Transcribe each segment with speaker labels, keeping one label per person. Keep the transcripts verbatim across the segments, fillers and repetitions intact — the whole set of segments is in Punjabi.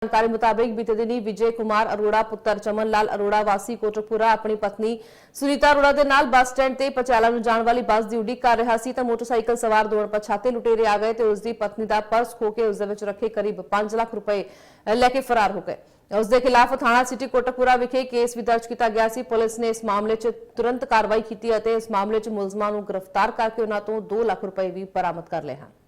Speaker 1: जानकारी मुताबिक बीते दिनी विजय कुमार अरोड़ा पुत्र चमन लाल अरोड़ा वासी कोटकपुरा अपनी पत्नी सुनीता अरोड़ा के नाल बस स्टैंड ते पटियाला नूं जाण वाली बस की उड़ीक कर रहा सी तां मोटरसाइकिल सवार दो अणपछाते लुटेरे आ गए ते उसकी पत्नी का पर्स खो के उस दे विच रखे करीब पांच लाख रुपए लैके फरार हो गए। उसके खिलाफ थाना सिटी कोटकपुरा विखे केस भी दर्ज किया गया सी। पुलिस ने इस मामले च तुरंत कार्रवाई की और इस मामले च मुलजमां नूं गिरफ्तार करके उन्हां तों दो लाख रुपए भी बरामद कर लए हैं।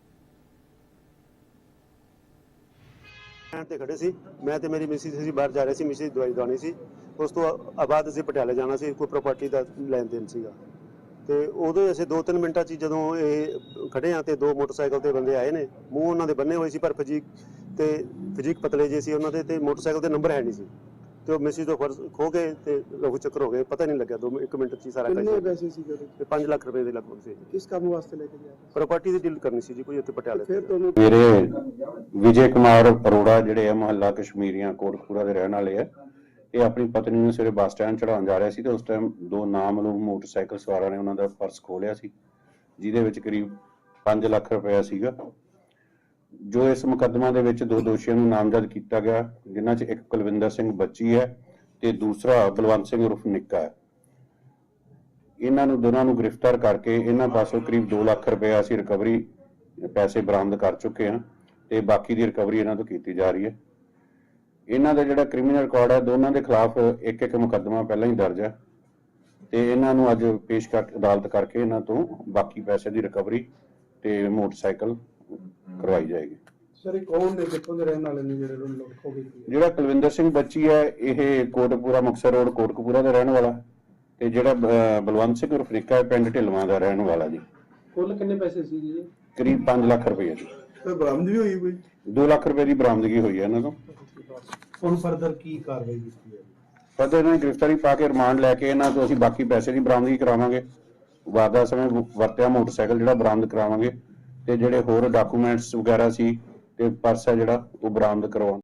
Speaker 2: ਤੇ ਖੜੇ ਸੀ ਮੈਂ ਤੇ ਮੇਰੀ ਮਿਸਿਸ ਸੀ ਬਾਹਰ ਜਾ ਰਹੇ ਸੀ ਮਿਸਿਸ ਦਵਾਈ ਦਵਾਉਣੀ ਸੀ। ਉਸ ਤੋਂ ਬਾਅਦ ਅਸੀਂ ਪਟਿਆਲੇ ਜਾਣਾ ਸੀ ਕੋਈ ਪ੍ਰਾਪਰਟੀ ਦਾ ਲੈਣ ਦੇਣ ਸੀਗਾ ਤੇ ਉਦੋਂ ਅਸੀਂ ਦੋ ਤਿੰਨ ਮਿੰਟਾਂ 'ਚ ਜਦੋਂ ਇਹ ਖੜੇ ਆ ਤੇ ਦੋ ਮੋਟਰਸਾਈਕਲ ਤੇ ਬੰਦੇ ਆਏ ਨੇ ਮੂੰਹ ਉਹਨਾਂ ਦੇ ਬੰਨੇ ਹੋਏ ਸੀ ਪਰ ਫਜੀਕ ਤੇ ਫਜੀਕ ਪਤਲੇ ਜੇ ਸੀ ਉਹਨਾਂ ਦੇ ਤੇ ਮੋਟਰਸਾਈਕਲ ਦੇ ਨੰਬਰ ਹੈ ਨਹੀਂ ਸੀ ਤੇ ਉਹ ਮਿਸਿਸ ਤੋਂ ਫਰਜ਼ ਖੋ ਗਏ ਤੇ ਲਹੂ ਚੱਕਰ ਹੋ ਗਏ ਪਤਾ ਨਹੀਂ ਲੱਗਿਆ ਦੋ ਇੱਕ ਮਿੰਟ 'ਚ ਹੀ ਸਾਰਾ ਕੰਮ।
Speaker 3: ਕਿੰਨੇ ਪੈਸੇ ਸੀ
Speaker 2: ਤੇ ਪੰਜ ਲੱਖ ਰੁਪਏ ਦੇ ਲਗਭਗ ਸੀ।
Speaker 3: ਕਿਸ ਕੰਮ ਵਾਸਤੇ ਲੈ ਕੇ ਗਿਆ
Speaker 2: ਪ੍ਰਾਪਰਟੀ ਦੀ ਡੀਲ ਕਰਨੀ ਸੀ ਜੀ ਕੋਈ ਉੱਥੇ ਪਟਿਆਲੇ।
Speaker 3: ਫਿਰ ਤੁਹਾਨੂੰ
Speaker 4: मेरे विजय कुमार अरोड़ा ਜਿਹੜੇ ਆ ਮੁਹੱਲਾ ਕਸ਼ਮੀਰੀਆਂ ਕੋਟਕਪੂਰਾ ਦੇ ਰਹਿਣ ਵਾਲੇ ਆ ਇਹ ਆਪਣੀ ਪਤਨੀ ਨੂੰ ਸਵੇਰੇ ਬੱਸ ਸਟੈਂਡ ਚੜਾਉਣ ਜਾ ਰਿਹਾ ਸੀ ਤੇ ਉਸ ਟਾਈਮ ਦੋ ਨਾਮਲੂਮ ਮੋਟਰਸਾਈਕਲ ਸਵਾਰਾਂ ਨੇ ਉਹਨਾਂ ਦਾ ਪਰਸ ਖੋਲਿਆ ਸੀ ਜਿਹਦੇ ਵਿੱਚ ਕਰੀਬ ਪੰਜ ਲੱਖ ਰੁਪਏ ਸੀਗਾ। ਜੋ ਇਸ ਮੁਕੱਦਮਾ ਦੇ ਵਿੱਚ ਦੋ ਦੋਸ਼ੀਆਂ ਨੂੰ ਨਾਮਜ਼ਦ ਕੀਤਾ ਗਿਆ ਜਿਨ੍ਹਾਂ 'ਚ ਇੱਕ ਕੁਲਵਿੰਦਰ ਸਿੰਘ ਬੱਚੀ ਹੈ ਤੇ ਦੂਸਰਾ ਬਲਵੰਤ ਸਿੰਘ ਉਰਫ ਨਿੱਕਾ ਹੈ। ਇਹਨਾਂ ਨੂੰ ਦੋਨਾਂ ਨੂੰ ਗ੍ਰਿਫਤਾਰ ਕਰਕੇ ਇਹਨਾਂ ਪਾਸੋਂ ਕਰੀਬ ਦੋ ਲੱਖ ਰੁਪਏ ਅਸੀਂ ਰਿਕਵਰੀ ਪੈਸੇ ਬਰਾਮਦ ਕਰ ਚੁੱਕੇ ਹਾਂ ਤੇ ਬਾਕੀ ਦੀ ਰਿਕਵਰੀ ਇਹਨਾਂ ਤੋਂ ਕੀਤੀ ਜਾ ਰਹੀ ਹੈ। ਇਹਨਾਂ ਦਾ ਜਿਹੜਾ ਕ੍ਰਿਮੀਨਲ ਰਿਕਾਰਡ ਹੈ ਦੋਨਾਂ ਦੇ ਖਿਲਾਫ ਇੱਕ ਇੱਕ ਮੁਕੱਦਮਾ ਪਹਿਲਾਂ ਹੀ ਦਰਜ ਹੈ ਤੇ ਇਹਨਾਂ ਨੂੰ ਅੱਜ ਪੇਸ਼ ਕਰ ਅਦਾਲਤ ਕਰਕੇ ਇਹਨਾਂ ਤੋਂ ਬਾਕੀ ਪੈਸੇ ਦੀ ਰਿਕਵਰੀ ਤੇ ਮੋਟਰਸਾਈਕਲ ਕਰਵਾਈ ਜਾਏਗੀ।
Speaker 3: ਸਰ ਇਹ ਕੌਣ ਨੇ ਕਿੱਥੋਂ ਦੇ ਰਹਿਣ ਵਾਲੇ ਨੇ ਜਿਹੜੇ ਲੁੱਟ ਖੋ ਗਈ?
Speaker 4: ਜਿਹੜਾ ਕੁਲਵਿੰਦਰ ਸਿੰਘ ਬੱਚੀ ਹੈ ਇਹ ਕੋਟਕਪੂਰਾ ਮੁਕਤਸਰ ਰੋਡ ਕੋਟਕਪੂਰਾ ਦਾ ਰਹਿਣ ਵਾਲਾ ਤੇ ਜਿਹੜਾ ਬਲਵੰਤ ਸਿੰਘ ਉਰਫ ਨਿੱਕਾ ਪਿੰਡ ਢਿਲਵਾਂ ਦਾ ਰਹਿਣ ਵਾਲਾ ਜੀ।
Speaker 3: ਕੁੱਲ ਕਿੰਨੇ ਪੈਸੇ ਸੀ ਜੀ?
Speaker 4: ਕਰੀਬ ਪੰਜ ਲੱਖ ਰੁਪਏ ਜੀ।
Speaker 3: ਸਰ ਬਰਾਮਦ ਵੀ ਹੋਈ ਕੋਈ?
Speaker 4: ਦੋ ਲੱਖ ਰੁਪਏ ਦੀ ਬਰਾਮਦਗੀ ਹੋਈ ਹੈ ਇਹਨਾਂ ਤੋਂ।
Speaker 3: ਹੁਣ ਫਰਦਰ ਕੀ ਕਾਰਵਾਈ ਕੀਤੀ ਹੈ?
Speaker 4: ਫਰਦਰ ਇਹਨਾਂ ਦੀ ਗ੍ਰਿਫਤਾਰੀ ਪਾ ਕੇ ਰਿਮਾਂਡ ਲੈ ਕੇ ਇਹਨਾਂ ਤੋਂ ਅਸੀਂ ਬਾਕੀ ਪੈਸੇ ਦੀ ਬਰਾਮਦਗੀ ਕਰਾਵਾਂਗੇ। ਵਾਰਦਾਤ ਸਮੇਂ ਵਰਤਿਆ ਮੋਟਰਸਾਈਕਲ ਜਿਹੜਾ ਬਰਾਮਦ ਕਰਾਵਾਂਗੇ ਤੇ ਜਿਹੜੇ ਹੋਰ ਡਾਕੂਮੈਂਟਸ ਵਗੈਰਾ ਸੀ ਤੇ ਪਰਸ ਹੈ ਜਿਹੜਾ ਉਹ ਬਰਾਮਦ ਕਰਵਾਉਣ